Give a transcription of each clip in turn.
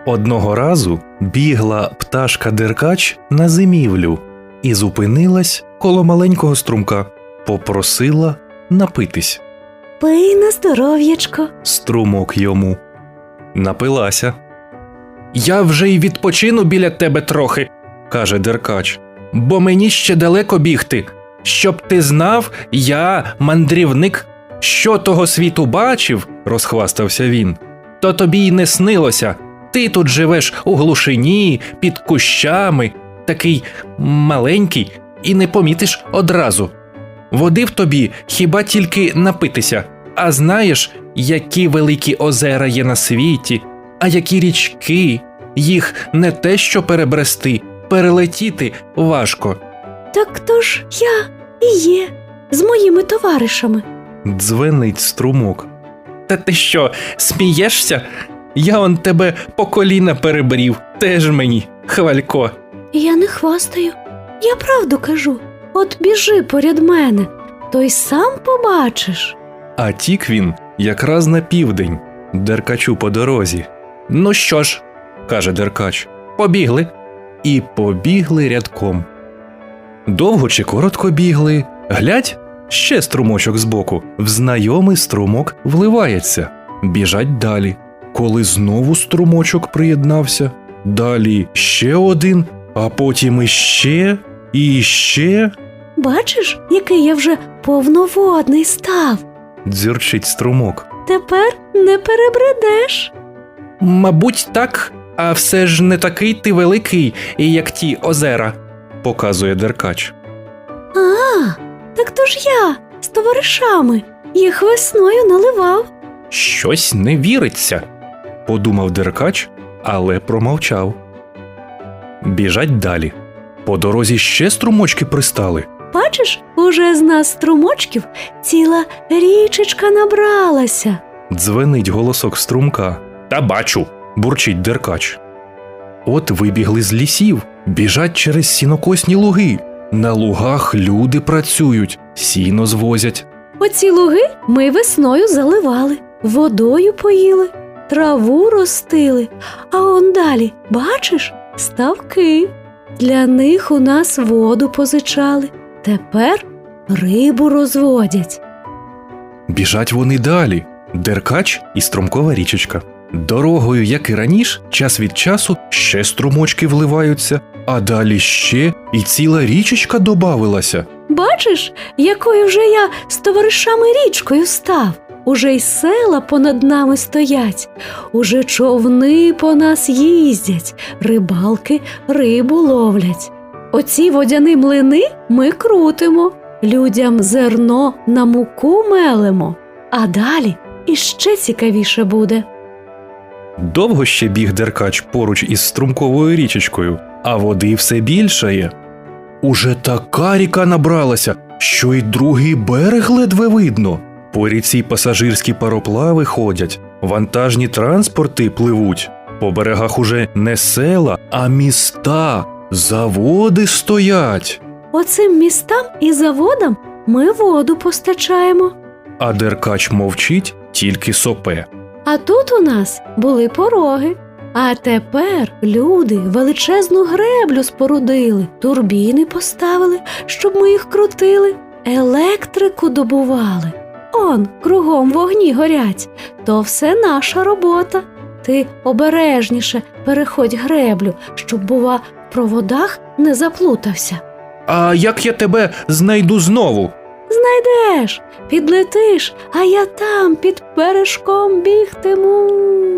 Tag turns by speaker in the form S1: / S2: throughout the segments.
S1: Одного разу бігла пташка-деркач на зимівлю і зупинилась коло маленького струмка. Попросила напитись.
S2: Пий на здоров'ячко.
S1: Струмок йому. Напилася.
S3: «Я вже й відпочину біля тебе трохи», – каже деркач, – «бо мені ще далеко бігти. Щоб ти знав, я мандрівник. Що того світу бачив, – розхвастався він, – то тобі й не снилося. Ти тут живеш у глушині, під кущами, такий маленький, і не помітиш одразу. Води в тобі хіба тільки напитися, а знаєш, які великі озера є на світі, а які річки, їх не те що перебрести, перелетіти важко».
S2: Так то ж я і є, з моїми товаришами.
S1: Дзвенить струмок.
S3: «Та ти що, смієшся? Я он тебе по коліна перебрів, теж мені, хвалько».
S2: Я не хвастаю, я правду кажу. От біжи поряд мене, то й сам побачиш.
S1: А тік він якраз на південь, деркачу по дорозі.
S3: «Ну що ж», – каже деркач, – «побігли».
S1: І побігли рядком. Довго чи коротко бігли, глядь, ще струмочок збоку, в знайомий струмок вливається. Біжать далі. Коли знову струмочок приєднався, далі ще один, а потім іще, і ще.
S2: Бачиш, який я вже повноводний став.
S1: Дзюрчить струмок.
S2: Тепер не перебредеш.
S3: «Мабуть, так, а все ж не такий ти великий, як ті озера», –
S1: показує деркач.
S2: А, так то ж я з товаришами їх весною наливав.
S3: «Щось не віриться», –
S1: подумав деркач, але промовчав. Біжать далі. По дорозі ще струмочки пристали.
S2: Бачиш, уже з нас струмочків ціла річечка набралася.
S1: Дзвенить голосок струмка.
S3: «Та бачу»,
S1: – бурчить деркач. От вибігли з лісів, біжать через сінокосні луги. На лугах люди працюють, сіно звозять.
S2: Оці луги ми весною заливали, водою поїли, траву ростили, а он далі, бачиш, ставки. Для них у нас воду позичали, тепер рибу розводять.
S1: Біжать вони далі. Деркач і струмкова річечка. Дорогою, як і раніше, час від часу ще струмочки вливаються, а далі ще і ціла річечка добавилася.
S2: Бачиш, якою вже я з товаришами річкою став. Уже й села понад нами стоять, уже човни по нас їздять, рибалки рибу ловлять. Оці водяні млини ми крутимо, людям зерно на муку мелемо, а далі іще цікавіше буде.
S1: Довго ще біг деркач поруч із струмковою річечкою, а води все більшає. Уже така ріка набралася, що й другий берег ледве видно. По ріці пасажирські пароплави ходять, вантажні транспорти пливуть. По берегах уже не села, а міста, заводи стоять.
S2: Оцим містам і заводам ми воду постачаємо.
S1: А деркач мовчить, тільки сопе.
S2: А тут у нас були пороги. А тепер люди величезну греблю спорудили, турбіни поставили, щоб ми їх крутили, електрику добували. Он, кругом вогні горять. То все наша робота. Ти обережніше переходь греблю, щоб, бува, в проводах не заплутався.
S3: «А як я тебе знайду знову?»
S2: Знайдеш, підлетиш, а я там під бережком бігтиму.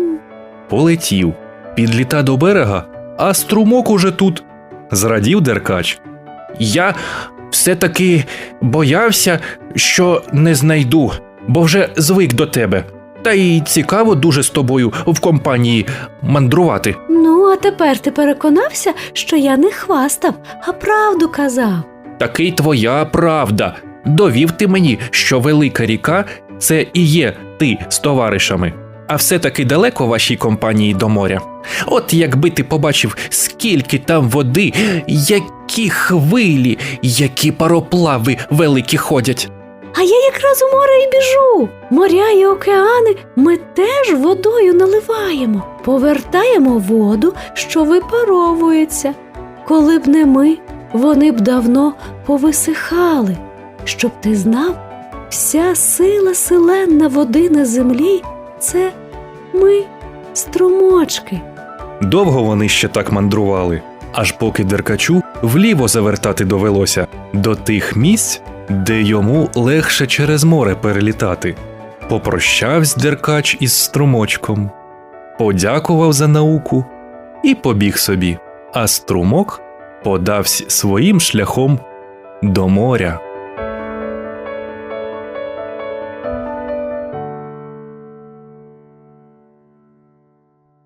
S1: Полетів, підліта до берега, а струмок уже тут. Зрадів деркач.
S3: «Я все-таки боявся, що не знайду, бо вже звик до тебе. Та й цікаво дуже з тобою в компанії мандрувати».
S2: Ну, а тепер ти переконався, що я не хвастав, а правду казав.
S3: «Таки твоя правда. Довів ти мені, що велика ріка – це і є ти з товаришами. А все-таки далеко вашій компанії до моря. От якби ти побачив, скільки там води, які хвилі, які пароплави великі ходять».
S2: А я якраз у море і біжу. Моря і океани ми теж водою наливаємо, повертаємо воду, що випаровується. Коли б не ми, вони б давно повисихали. Щоб ти знав, вся сила селенна води на землі – це ми, струмочки.
S1: Довго вони ще так мандрували, аж поки Деркачу вліво завертати довелося до тих місць, де йому легше через море перелітати. Попрощавсь Деркач із струмочком, подякував за науку і побіг собі, а струмок подавсь своїм шляхом до моря.